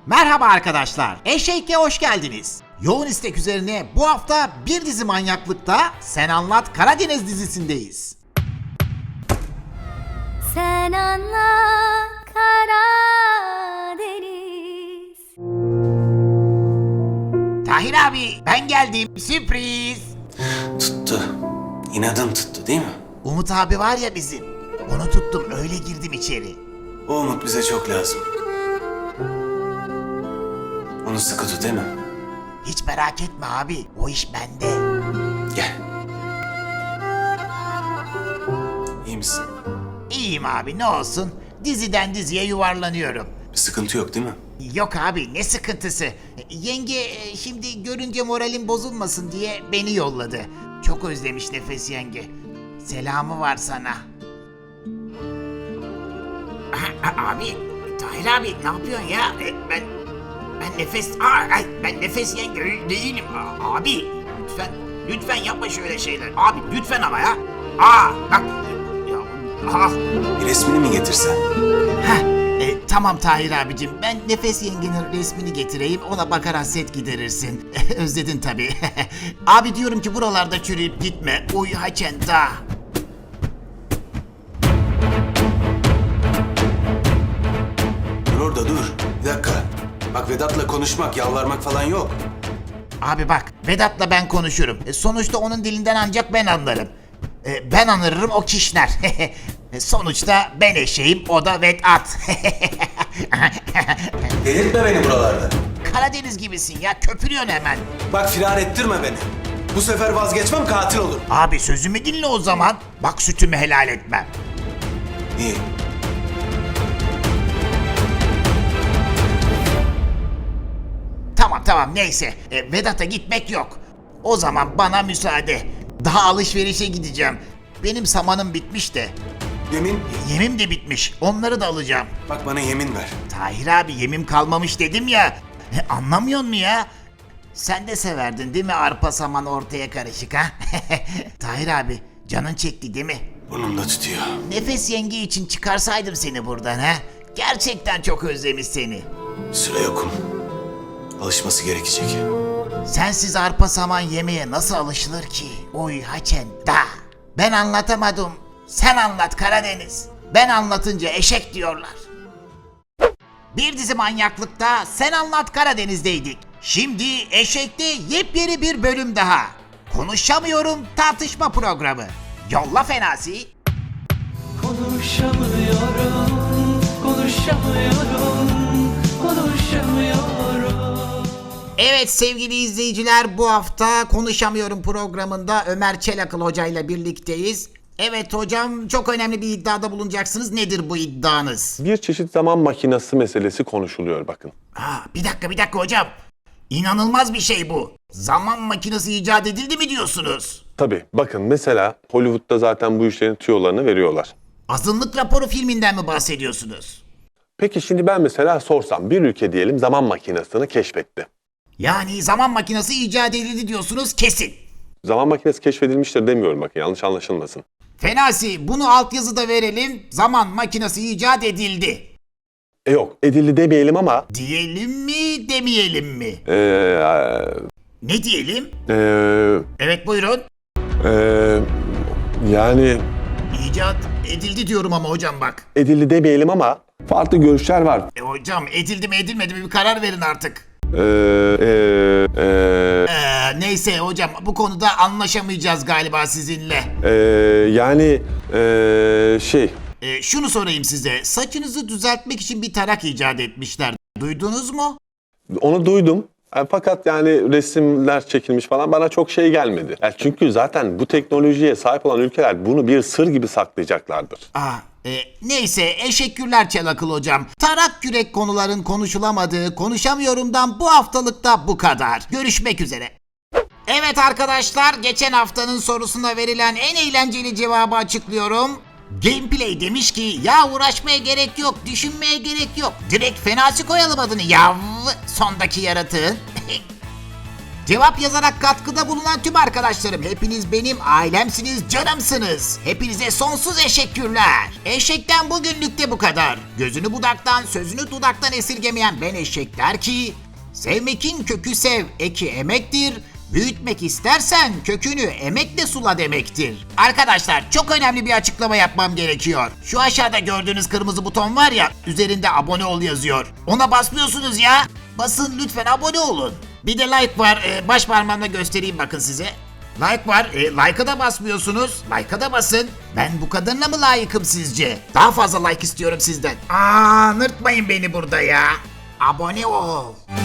Merhaba arkadaşlar, Eşek'e hoş geldiniz. Yoğun istek üzerine bu hafta bir dizi manyaklıkta Sen Anlat Karadeniz dizisindeyiz. Sen anla Karadeniz. Tahir abi ben geldim, sürpriz. Tuttu. İnadın tuttu değil mi? Umut abi var ya bizim, onu tuttum öyle girdim içeri. O umut bize çok lazım. Onu sıkı tut değil mi? Hiç merak etme abi, o iş bende. Gel. İyi misin? İyiyim abi, ne olsun, diziden diziye yuvarlanıyorum. Bir sıkıntı yok değil mi? Yok abi, ne sıkıntısı. Yenge şimdi görünce moralim bozulmasın diye beni yolladı. Çok özlemiş Nefes yenge. Selamı var sana. Abi, Tahir abi ne yapıyorsun ya? Ben Nefes yenge değilim. Abi lütfen yapma şöyle şeyler. Abi lütfen ama ya. Bak. Bir resmini mi getirsen? Tamam Tahir abicim, ben Nefes yengenin resmini getireyim, ona bakar hasret giderirsin. Özledin tabii. Abi diyorum ki buralarda çürüyüp gitme. Uy haçen da. Dur orada dur. Bir dakika. Bak Vedat'la konuşmak, yalvarmak falan yok. Abi bak, Vedat'la ben konuşurum. Sonuçta onun dilinden ancak ben anlarım. Ben anırırım, o kişner. Sonuçta ben eşeğim, o da Vedat. Delirtme beni buralarda. Karadeniz gibisin ya, köpürüyorsun hemen. Bak firar ettirme beni. Bu sefer vazgeçmem, katil olurum. Abi sözümü dinle o zaman. Bak sütümü helal etmem. İyi. Tamam neyse. Vedat'a gitmek yok. O zaman bana müsaade. Daha alışverişe gideceğim. Benim samanım bitmiş de. Yemin. Yemim de bitmiş. Onları da alacağım. Bak bana yemin ver. Tahir abi yemim kalmamış dedim ya. Anlamıyor musun ya? Sen de severdin değil mi arpa saman ortaya karışık ha? Tahir abi canın çekti değil mi? Burnumda tutuyor. Nefes yenge için çıkarsaydım seni buradan ha? Gerçekten çok özlemiş seni. Süre yokum. Alışması gerekecek. Sensiz arpa saman yemeye nasıl alışılır ki? Oy haçen da. Ben anlatamadım. Sen anlat Karadeniz. Ben anlatınca eşek diyorlar. Bir dizi manyaklıkta Sen Anlat Karadeniz'deydik. Şimdi Eşek'te yepyeni bir bölüm daha. Konuşamıyorum tartışma programı. Yolla Fenasi. Konuşamıyorum, konuşamıyorum. Evet sevgili izleyiciler, bu hafta Konuşamıyorum programında Ömer Çelakıl Hoca ile birlikteyiz. Evet hocam, çok önemli bir iddiada bulunacaksınız. Nedir bu iddianız? Bir çeşit zaman makinesi meselesi konuşuluyor bakın. Bir dakika hocam. İnanılmaz bir şey bu. Zaman makinesi icat edildi mi diyorsunuz? Tabii bakın mesela Hollywood'da zaten bu işlerin tüyolarını veriyorlar. Azınlık Raporu filminden mi bahsediyorsunuz? Peki şimdi ben mesela sorsam bir ülke diyelim zaman makinesini keşfetti. Yani zaman makinesi icat edildi diyorsunuz kesin. Zaman makinesi keşfedilmiştir demiyorum bakın, yanlış anlaşılmasın. Fenasi, bunu altyazıda verelim. Zaman makinesi icat edildi. Yok edildi demeyelim ama Diyelim mi demeyelim mi? Ne diyelim? Evet buyurun. Yani İcat edildi diyorum ama hocam bak. edildi demeyelim ama farklı görüşler var. Hocam edildi mi edilmedi mi bir karar verin artık. Neyse hocam, bu konuda anlaşamayacağız galiba sizinle. Şunu sorayım size. Saçınızı düzeltmek için bir tarak icat etmişler. Duydunuz mu? Onu duydum. Fakat yani resimler çekilmiş falan bana çok şey gelmedi. Çünkü zaten bu teknolojiye sahip olan ülkeler bunu bir sır gibi saklayacaklardır. Neyse, eşekkürler Çelakıl hocam. Tarak kürek konuların konuşulamadığı Konuşamıyorum'dan bu haftalıkta bu kadar. Görüşmek üzere. Evet arkadaşlar, geçen haftanın sorusuna verilen en eğlenceli cevabı açıklıyorum. Gameplay demiş ki ya uğraşmaya gerek yok, düşünmeye gerek yok. Direkt Fenasi koyalım adını yav, sondaki yaratığın. Cevap yazarak katkıda bulunan tüm arkadaşlarım, hepiniz benim ailemsiniz, canımsınız. Hepinize sonsuz teşekkürler. Eşekten bugünlük de bu kadar. Gözünü budaktan, sözünü dudaktan esirgemeyen ben eşek der ki, sevmekin kökü sev, eki emektir. Büyütmek istersen kökünü emekle sula demektir. Arkadaşlar çok önemli bir açıklama yapmam gerekiyor. Şu aşağıda gördüğünüz kırmızı buton var ya, üzerinde abone ol yazıyor. Ona basmıyorsunuz ya. Basın lütfen, abone olun. Bir de like var, baş parmağımla göstereyim bakın size. Like var, like'a da basmıyorsunuz. Like'a da basın. Ben bu kadarına mı layıkım sizce? Daha fazla like istiyorum sizden. Nırtmayın beni burada ya. Abone ol.